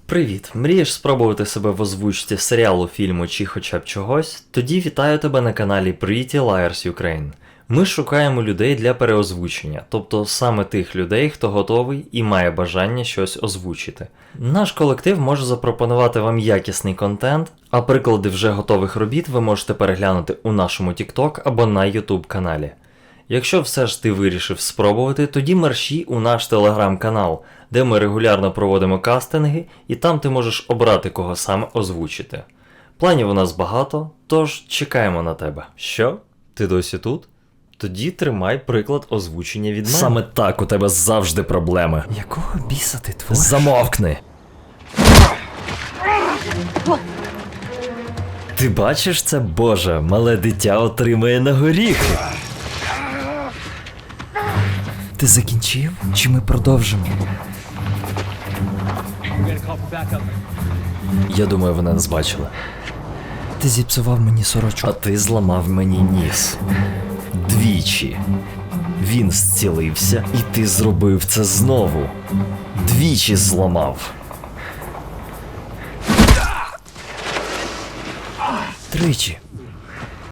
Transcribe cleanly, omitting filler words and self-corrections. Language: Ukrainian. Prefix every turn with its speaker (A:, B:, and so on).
A: Привіт! Мрієш спробувати себе в озвучці серіалу, фільму чи хоча б чогось? Тоді вітаю тебе на каналі Pretty Liars Ukraine. Ми шукаємо людей для переозвучення, тобто саме тих людей, хто готовий і має бажання щось озвучити. Наш колектив може запропонувати вам якісний контент, а приклади вже готових робіт ви можете переглянути у нашому TikTok або на YouTube каналі. Якщо все ж ти вирішив спробувати, тоді мерщій у наш телеграм-канал, де ми регулярно проводимо кастинги, і там ти можеш обрати, кого саме озвучити. Планів у нас багато, тож чекаємо на тебе. Що? Ти досі тут? Тоді тримай приклад озвучення від мене.
B: Саме так у тебе завжди проблеми.
A: Якого біса ти твориш?
B: Замовкни!
A: Ти бачиш це, Боже, мале дитя отримає на горіхи.
C: Ти закінчив? Чи ми продовжимо?
B: Я думаю, вона нас бачила.
C: Ти зіпсував мені сорочку.
B: А ти зламав мені ніс. Двічі. Він зцілився, і ти зробив це знову. Двічі зламав.
C: Тричі.